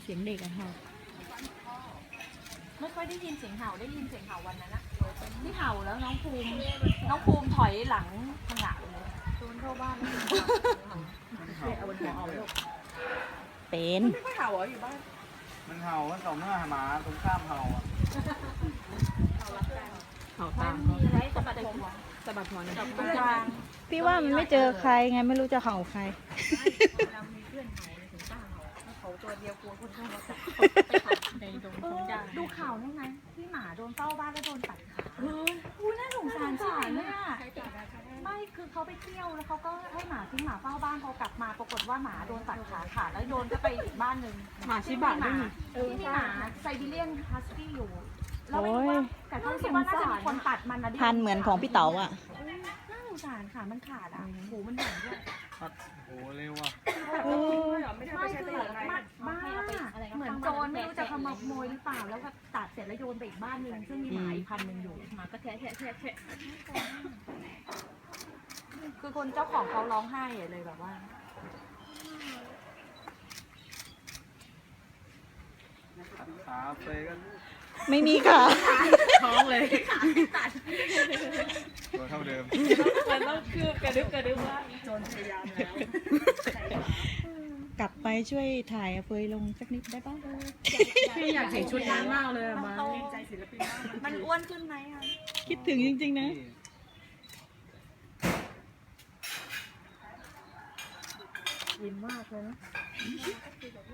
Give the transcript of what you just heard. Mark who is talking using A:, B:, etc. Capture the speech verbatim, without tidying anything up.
A: สียงเด็กอะเห่า
B: ไม่ค่อยได้ยินเสียงเห่าได้ยินเสียงเห่าวันนั้นนะที่เห่าแล้วน้องภูมิน้องภูมิถอยหลังพังหะเลยโดนเข้าบ้านแล้วเอาบนหัวเอาลูก
A: เป็น
B: ไม่ค่อยเห่าเหรออยู่บ้าน
C: มันเห่ามันต่อเมื่อหมาตรงข้ามเห่าอ่ะ
A: เห่า
B: มั
A: ตาน ม
B: มีอะไรสะบัดผม
A: สะบัดหัว
B: จับตรงกลาง
A: พี่ว่ามันไม่เจอใครไงไม่รู้จะเห่าใคร
B: เรามีเพื่อนเห่าถึงกล้าเห่าเขาตัวเดียวกลัวคนเข้ามาจับไปขัดในตรงตรงกลางดูข่าวนี่ไงที่หมาโดนเฝ้าบ้านแล้วโดนตัดขาเฮ้ยอุ้ยน่าสงสารสารเลยอ่ะไม่คือเขาไปเที่ยวแล้วเขาก็ให้หมาทิ้งหมาเฝ้าบ้านพอกลับมาปรากฏว่าหมาโดนตัดขาขาดแล้วโยนก็ไปอีกบ้านหนึ่ง
A: หมาชิบะด้วยนี่
B: ที่มีหมาไซบีเรียนฮัสกี้อยู่แล้วไม่รู้ว่าแต่เขาคิดว่าน่าจะมีคนตัดมันนะ
A: พันเหมือนของพี่เต๋าอ่ะ
B: น่าสงสารขามันขาดอ่ะหูมันหย่อนด้วย
C: ตัดโอ้เร็วอ่ะ
B: ไม่คือมัดบ้าเหมือนโจรไม่รู้จะขโมยหรือเปล่าแล้วก็ตัดเสร็จแล้วโยนไปอีกบ้านหนึ่งซึ่งมีหมาอีกพันหนึ่งอยู่หมาก็แทะแทะแทะแทะคือคนเจ้าของเขาร้องไห้เลยแบบว่า
C: ขาเฟยกัน
A: ไม่มีค่ะ
B: ท้องเลย
C: ตัวเท่าเดิม
B: มันต้องคืบกระดึบกระดึบว่าโจรพยายามแล้ว
A: กลับไปช่วยถ่ายเฟยลงสักนิดได้ป่ะ
D: พี่อยากเห็นชุดนั้นมากเลยอะมา
B: มันอ้วนขึ้นไหมอ่ะ
A: คิดถึงจริงๆนะ
D: ยิ้มมากเลยนะ